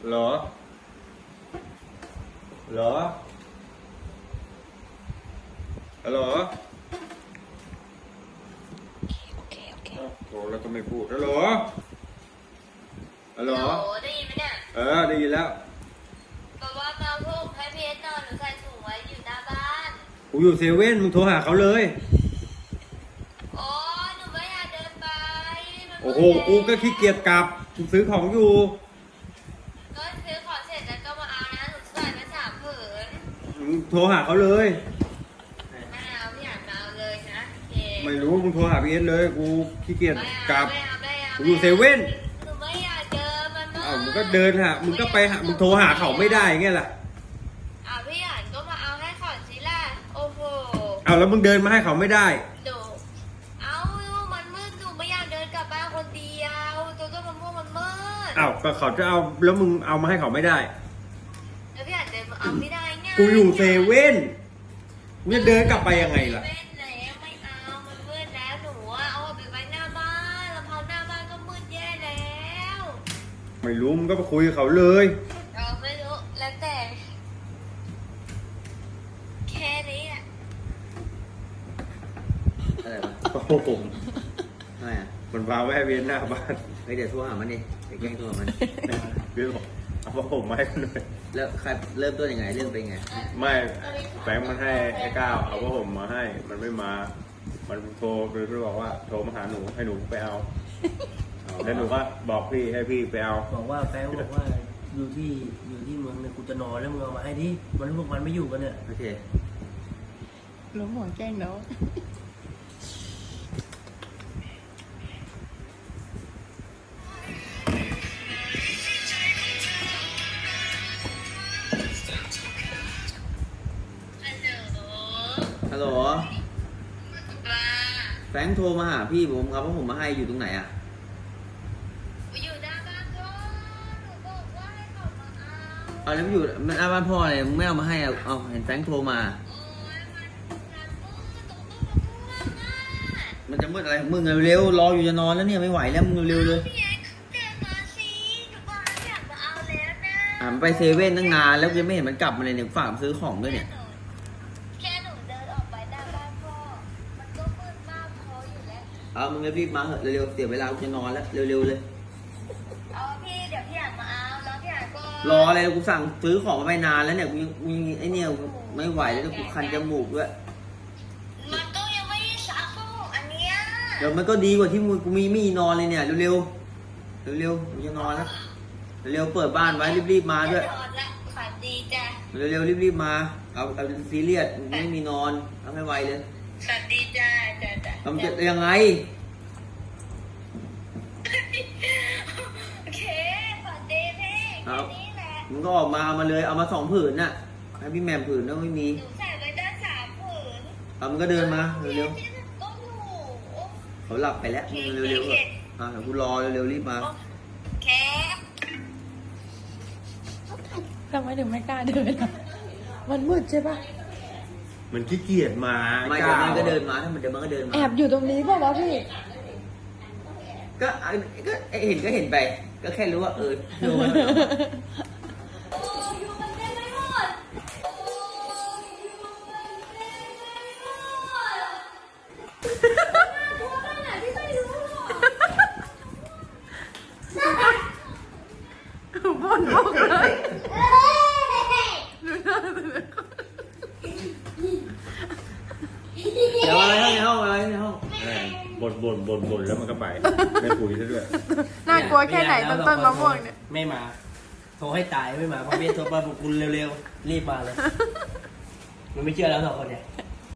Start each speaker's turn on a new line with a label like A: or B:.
A: เหรอเหรอฮัลโหล
B: โอเค
A: โทรแล้วก็ไม่พูดฮัลโหลฮัลโหล
C: ได้ยินไหมเนี่ย
A: ได้ยินแล้ว
C: บอกว่ามาพวกให้พีเอสนอนหนูใส่ถุงไว้อยู่หน้าบ้าน
A: กูอยู่เซเว่นมึงโทรหาเขาเลย
C: โอ้หนูไม่อยากเดินไปมัน
A: โอ้โหกูก็ขี้เกียจกลับกูซื้อของอยู่
C: ก็ซื้อของเสร็จแล้วก็มาเอานะหนูใส่ไป3 ผืน
A: มึงโทรหาเขาเลย
C: ไม่เอาพี่อยากมาเอาเลยนะโอเค
A: ไม่รู้มึงโทรหาพีเอสเลยกูขี้เกียจ
C: ไม่
A: กลั
C: เอา
A: บ
C: ไม่เอาไม่เอา
A: กูอยู่เซเว่น
C: หนูไม่อยากเดินมันมืด
A: มึงก็เดินหามึงก็ไปหามึงโทรหาเขาไม่ได้ไงล่ะ
C: พี่อยากก็มาเอาให้ก่อนสิล่ะโอ้โห
A: แล้วมึงเดินมาให้เขาไม่ได้
C: หนูเอามันมืดหนูไม่อยากเดินกลับบ้านคนเดียวตัวต้นมะม่วงมันมืด
A: ก็เขาจะเอาแล้วมึงเอามาให้เขาไม่ได้
C: แล้วพี่อยากเดินมาเอาไม่ได้ไง
A: กูอยู่เซเว่นกูจะเดินกลับไปยังไงล่ะ
C: เว้นแล้วไม่เอามันมืดแล้วหนูเอาไปไว้หน้าบ้านลำพังหน้าบ้านก็มืดแย่แล้ว
A: ไม่รู้มึงก็ไปคุยกับเขาเลย
C: ไม่รู้แล้วแต่แค่นี้อ่ะ
D: อะไรวะ
A: โอ้โห
D: ทำไมอ่ะ
A: มันวางไว้ให้เวียนหน้าบ้าน
D: เฮ้ยเดี๋ยวโทรหามันดิไปแกล้งโทรหามัน
A: เวียนบอกเอาผ้าห่มมาให้หน่อย
D: แล้วใครเริ่มต้นยังไงเรื่องเป็นไง
A: ไม่แฟงมันให้ไอ้ก้าวเอาผ้าห่มมาให้ มันไม่มา มันโทรไปบอกว่าโทรมาหาหนูให้หนูไปเอาแล้วหนูก็บอกพี่ให้พี่ไปเอา
E: บอกว่าแฟนบอกว่าอยู่ที่เมืองเนี่ยกูจะนอนแล้วมึงเอามาให้ดิมันพวกมันไม่อยู่กันเนี่ย
D: โอเค
B: รู้หัวแกล้งเนาะ
C: ฮัลโหล
D: ฮัลโหล
C: ว่า
D: แฟรงค์โทรมาหาพี่ผมเอาผ้าห่มมาให้อยู่ตรงไหนอ่ะ
C: อยู่หน้าบ้านก็หนูบอกว่าให้เขามาเอา
D: เอาแล้วมันอยู่มันอาบ้านพ่อเลยมึงไม่เอามาให้อ่ะเอาเห็นแฟรงค์โทรมา
C: โอ้ยมันมืดตรงต้นมะม่วงอ่ะ
D: มันจะมืดอะไรของมึงอะเร็วรออยู่จะนอนแล้วเนี่ยไม่ไหวแล้วมึงเร็วๆเลย
C: พี่แอ๊เดินมาสิหนูบอกว่าอยากมาเอาแล้วนะ
D: มันไปเซเว่นตั้งนานแล้วยังไม่เห็นมันกลับมาเลยเนี่ยฝากมันซื้อของด้วยเนี่ย
C: แค่หนูเดินออกไปหน้าบ้านพ่อมันก็มืดมากพออยู่แล้ว
D: เอามึงรีบๆมาเถอะเร็วๆเสียเวลากูจะนอนแล้วเร็วๆเลย
C: เอาพี่เดี๋ยวพี่อยากมาเอาแล้วพี่อยากก็
D: รออะไรกูสั่งซื้อของมาไปนานแล้วเนี่ยกูยังไอเนี่ยกูไม่ไหวแล้วกูคันจมูกด้วย
C: มันก็ยังไม่ได้ซักพวกอันเนี้ย
D: เดี๋ยวมันก็ดีกว่าที่กูมีนอนเลยเนี่ยเร็วๆเร็วๆกูจะนอนแล้วเร็วๆเปิดบ้านไว้รีบๆมาด้วย
C: จะนอนละฝันดีจ้ะ
D: เร็วๆรีบๆมาเอาซีเรียสไม่มีนอนเอาให้ไวเลย
C: ฝันดีจ้ะจ้ะ
D: ทำจะยังไง
C: โอเคฝันดีพี่แค่นี้แหละ
D: มึงก็ออกมาเอามาเลยเอามา2 ผืนน่ะให้พี่แหม่มผืนแล้วไม่มี
C: หนูใส่ไว้ได้3 ผืน
D: เอามึงก็เดินมาเร็ว
C: ก็อยู่
D: ๆเขาหลับไปแล้วมึงเร็วๆเถอะเดี๋ยวกูรอเร็วๆรีบมา
C: โอเค
B: ทำไมถึงไม่กล้าเดินอะมันมืดใช่ปะ
A: มันขี้เกียจมา
D: ไม่เดี๋ยวมันก็เดินมาถ้ามันเดี๋ยวมันก็เดินมา
B: แอบอยู่ตรงนี้เปล่าวะพี่
D: ก็เห็นก็เห็นไป ก็แค่รู้ว่าดูมัน
C: โอ้อยู่กันเต็มไปหมดโอ้อยู่กันเต็มไปหมดน่ากลัวขนาดที่ไม่รู้หรอก
B: บ่นบอกเลย
D: เดี๋ยวอะไรในห้องอะไรในห้อง
A: บ่นแล้วมันก็ไปไม่คุยซะด้วย
B: น่ากลัวแค่ไหนต้นต้นมะม่วงเนี่ย
E: ไม่มา โทรให้ตายไม่มาเพราะเบียโทรมาบอกคุณเร็วๆรีบมาเลยมันไม่เชื่อแล้ว2 คนเนี่ย